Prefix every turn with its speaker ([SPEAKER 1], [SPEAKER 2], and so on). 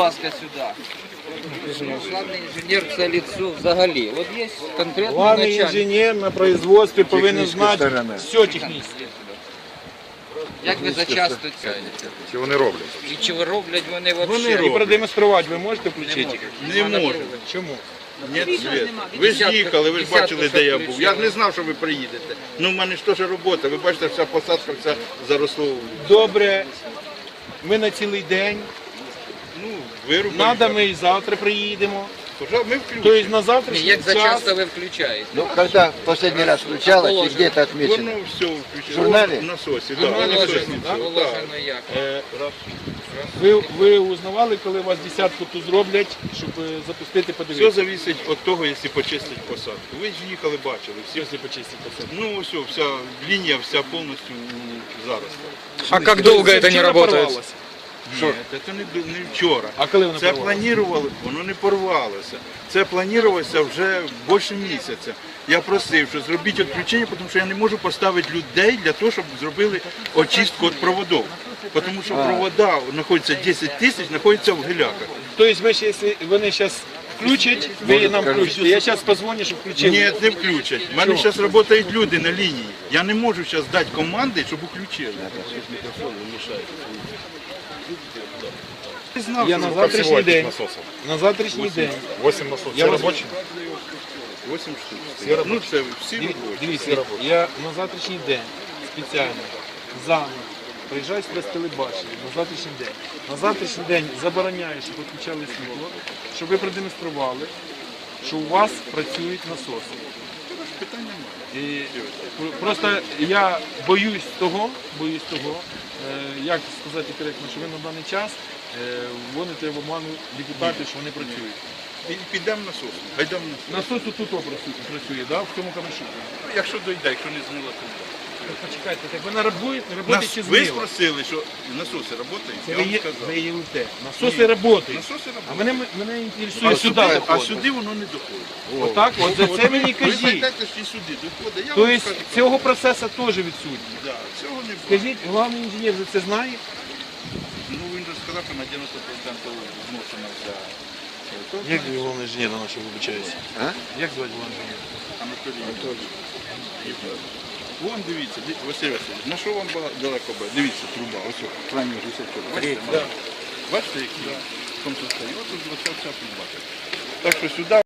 [SPEAKER 1] ласка, сюда. Главный инженер – це лицо взагалі. От є конкретний
[SPEAKER 2] Главний
[SPEAKER 1] начальник.
[SPEAKER 2] інженер на производстві повинен знати все технічне.
[SPEAKER 1] Як ви зачасто це?
[SPEAKER 3] Чи вони роблять?
[SPEAKER 1] І чи ви роблять вони
[SPEAKER 2] Вони
[SPEAKER 1] взагалі?
[SPEAKER 2] і продемонструвати ви можете включити?
[SPEAKER 3] Не можу.
[SPEAKER 2] Чому?
[SPEAKER 3] Ні, світ. Ви ж їхали, ви ж бачили, де я був. Я ж не знав, що ви приїдете. Ну, в мене ж теж робота. Ви бачите, вся посадка, вся заросло.
[SPEAKER 2] Добре, ми на цілий день.
[SPEAKER 3] Ну, вирубали.
[SPEAKER 2] Надо, ми і завтра приїдемо.
[SPEAKER 3] Ми включимо.
[SPEAKER 2] Тобто на
[SPEAKER 1] Ні,
[SPEAKER 2] завтрашній
[SPEAKER 1] як
[SPEAKER 2] час.
[SPEAKER 1] зачасто ви включаєте?
[SPEAKER 4] Ну, когда в последний раз включалось и где-то отмечено?
[SPEAKER 3] Воно все включено.
[SPEAKER 4] В журналі?
[SPEAKER 3] В насосі,
[SPEAKER 2] В
[SPEAKER 3] так.
[SPEAKER 2] насосі, так?
[SPEAKER 1] Положено як?
[SPEAKER 2] Ви узнавали, коли вас десятку тут зроблять, щоб запустити,
[SPEAKER 3] Все
[SPEAKER 2] подивитися?
[SPEAKER 3] залежить від того, якщо почистять посадку. Ви ж їхали, бачили. Всі,
[SPEAKER 2] Якщо почистити посадку.
[SPEAKER 3] ну, все, вся лінія, вся повністю зараз.
[SPEAKER 5] А как долго это не
[SPEAKER 2] вчора
[SPEAKER 5] работает?
[SPEAKER 2] порвалося?
[SPEAKER 3] Ні, це не вчора.
[SPEAKER 2] А коли воно
[SPEAKER 3] Це
[SPEAKER 2] порвалося?
[SPEAKER 3] планували, воно не порвалося. Це планувалося вже більше місяця. Я просив, що зробіть відключення, тому що я не можу поставити людей для того, щоб зробили очистку від проводів. Тому що провода знаходяться 10 тисяч, знаходяться в гіляках.
[SPEAKER 2] Тобто ми ще, якщо вони зараз включать, ви нам включите. Я зараз позвоню, щоб включили.
[SPEAKER 3] Ні, не включать. У мене зараз працюють люди на лінії. Я не можу зараз дати команди, щоб включили. Не знав,
[SPEAKER 2] Я
[SPEAKER 3] що
[SPEAKER 2] на
[SPEAKER 3] ви
[SPEAKER 2] завтрашній день. На завтрашній день.
[SPEAKER 3] 8 насосів.
[SPEAKER 2] Я
[SPEAKER 3] Все
[SPEAKER 2] вас-
[SPEAKER 3] робочі? 8 штук. Ну, це всі робочі.
[SPEAKER 2] Дивіться, я на завтрашній день спеціально заново приїжджаю сюди з телебачення на завтрашній день. На завтрашній день забороняю, щоб відключали світло, щоб ви продемонстрували, що у вас працюють насоси. І просто я боюсь того, як сказати коректно, що ви на даний час вводите в оману депутатів, що вони працюють.
[SPEAKER 3] Підемо насос. Гайдемо насос.
[SPEAKER 2] Насос тут працює, да, в цьому камешу.
[SPEAKER 3] Якщо дойде, якщо не змило, то йде.
[SPEAKER 2] Почекайте, так ви не працюєте чи
[SPEAKER 3] Ви
[SPEAKER 2] змило?
[SPEAKER 3] спросили, що насоси працюють,
[SPEAKER 2] Це
[SPEAKER 3] я
[SPEAKER 2] ви
[SPEAKER 3] вам
[SPEAKER 2] є,
[SPEAKER 3] сказав.
[SPEAKER 2] ви є УТ. Насоси працюють.
[SPEAKER 3] Насоси
[SPEAKER 2] А
[SPEAKER 3] працюють.
[SPEAKER 2] мене інтересує сюди.
[SPEAKER 3] А
[SPEAKER 2] доходить.
[SPEAKER 3] сюди воно не доходить.
[SPEAKER 2] Отак, от за це мені
[SPEAKER 3] Ви
[SPEAKER 2] кажіть.
[SPEAKER 3] зайдете, що і сюди доходить. Я вам
[SPEAKER 2] Тобто
[SPEAKER 3] скажу.
[SPEAKER 2] цього процесу теж відсутній.
[SPEAKER 3] Да, цього не буде.
[SPEAKER 2] Скажіть, головний інженер за це знає?
[SPEAKER 3] Ну, він же сказав, що на 90% зношена вся.
[SPEAKER 2] Як головний інженер на що вибачається?
[SPEAKER 4] А?
[SPEAKER 2] Як звати головний інженер?
[SPEAKER 3] Анатолій. Вон дивіться, Василь Васильович, на що вам далеко буде? Дивіться, труба, ось крайній гусячок. Бачите, бачите, який? В тому состоянии. От тут вся труба. Так що сюди